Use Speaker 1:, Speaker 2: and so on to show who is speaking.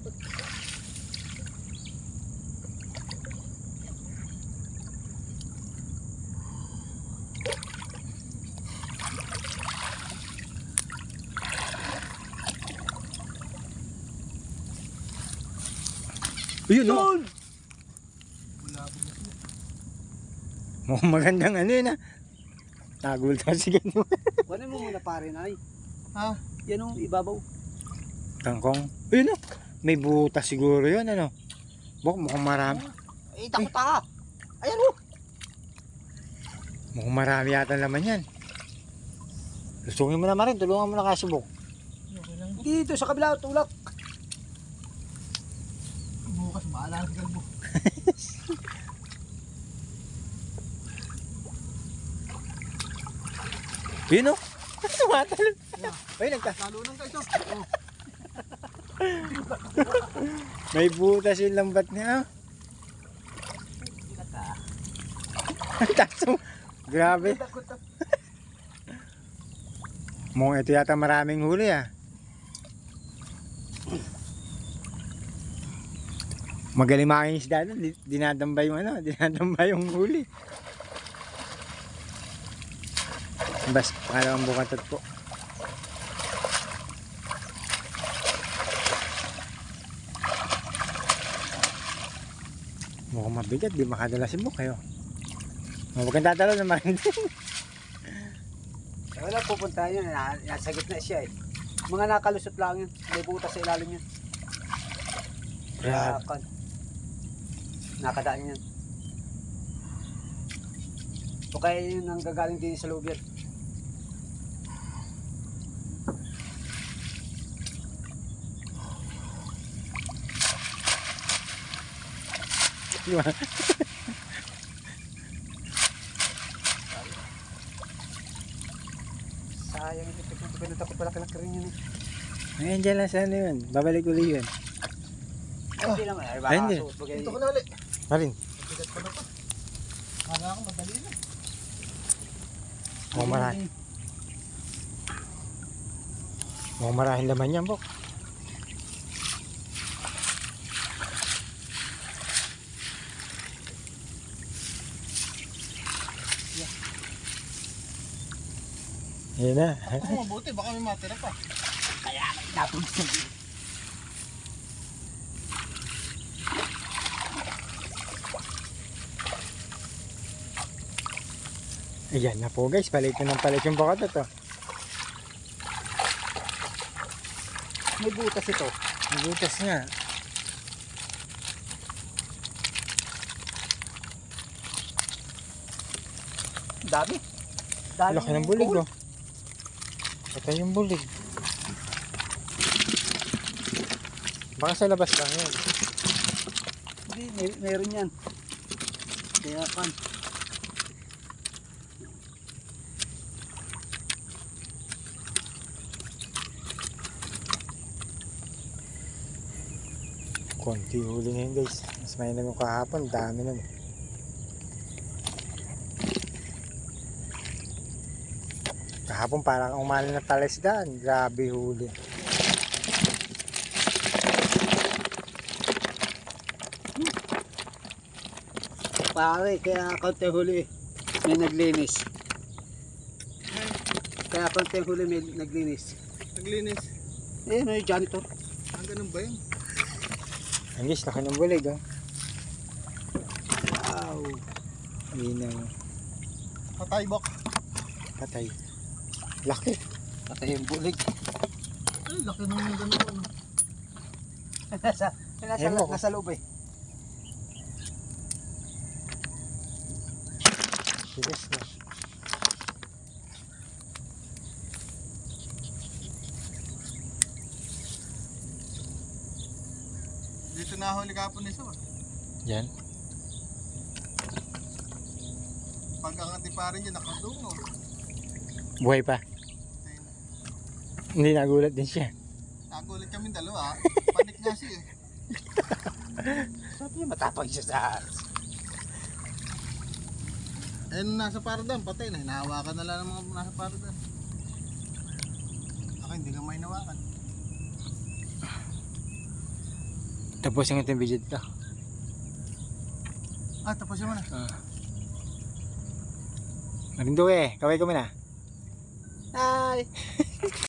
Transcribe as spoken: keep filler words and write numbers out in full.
Speaker 1: Ayun, no? Mukhang magandang ano yun, ha? Nagulat ka si ganyan.
Speaker 2: Kunin mo muna pare na ay.
Speaker 3: Ha?
Speaker 2: Yan o, ibabaw.
Speaker 1: Tangkong. Ayun, no? May butas siguro yun, ano? Bok, mukhang marami.
Speaker 2: Eh, takot ka. Ayan o.
Speaker 1: Mukhang marami yata naman yan. Lusungin mo naman rin, tulungan mo na kasi, Bok.
Speaker 2: Dito sa kabila, tulak.
Speaker 3: Bukas baala sa galbo.
Speaker 1: Yun, no? Tumatalon. Ay, nagka.
Speaker 3: Nalunan ka ito. Oh.
Speaker 1: May butas yung lambat niya. Taso. Grabe. Mukhang ito yata maraming huli, ah. Magaling making isda doon. Dinadamba yung ano, dinadamba yung huli. Bas, pangalawang bukatot po. Mukhang mabigat, di makadala si Bok kayo. Huwag kang tatalo naman.
Speaker 2: Wala pupunta yun, nasa gitna siya eh. Mga nakalusot lang yun, may butas sa ilalim yun.
Speaker 1: Grabe.
Speaker 2: Kaya, nakadaan yan. O kaya yun ang gagaling din sa loob yan. Sayang ito, pinuta ko pala kalak rin yun eh.
Speaker 1: Ayan dyan lang sa ano yun. Babalik uli yun.
Speaker 2: Ay, hindi naman, ay
Speaker 1: Ay,
Speaker 2: baka
Speaker 1: hindi.
Speaker 2: suot bagay.
Speaker 3: Dito ko na ulit.
Speaker 1: Marin.
Speaker 3: Bigat pa na pa. Kala ko madali na.
Speaker 1: Mukhang marami. Mukhang maraming laman yan, Bok. Yan na.
Speaker 3: Ako mabuti, baka may matira pa.
Speaker 2: Kaya, napon sa
Speaker 1: Ayan na po guys, palit na ng palit yung bakat ito.
Speaker 2: may butas ito.
Speaker 1: May butas nga.
Speaker 2: Dami. Dami.
Speaker 1: Laki ng bulig oh. Patay yung bulig. Baka sa labas lang yun.
Speaker 2: Hindi, may, meron yan. Kaya pan.
Speaker 1: Konti huli ngayon guys. Mas may naman kahapon, dami nun. Kahapon parang umali na talisdan. Grabe huli.
Speaker 2: Pare, kaya konti huli may naglinis. Kaya konti huli may naglinis.
Speaker 3: Naglinis.
Speaker 2: Eh, may janitor.
Speaker 3: Ang ganun ba yun?
Speaker 1: Ang guys, laki ng bulig oh.
Speaker 2: Wow.
Speaker 1: Minaw.
Speaker 3: Patay bok.
Speaker 1: Patay. Laki.
Speaker 2: Patay yung bulig.
Speaker 3: Ay, laki naman yung ganun. Ano?
Speaker 2: nasa, nasa,
Speaker 1: Ayun mo.
Speaker 2: nasa loob eh.
Speaker 1: Sigas na.
Speaker 3: Dito nahuli kapon isa ba?
Speaker 1: Yan.
Speaker 3: Pag ang antiparin niya nakadungo.
Speaker 1: Buhay pa.
Speaker 3: Ayun.
Speaker 1: Hindi nagulat din siya.
Speaker 3: Nagulit kami dalawa. Panik nga siya eh.
Speaker 2: Sabi niya matapang siya sa...
Speaker 3: Eh nung nasa paradan, patay na. Hinahawakan na lang ng mga nasa paradan. Ako hindi ka may nawakan.
Speaker 1: Tapos yung itong video dito.
Speaker 3: Ah, tapusin mo na.
Speaker 1: Ah. Marindo eh, kaway ko muna. Hi!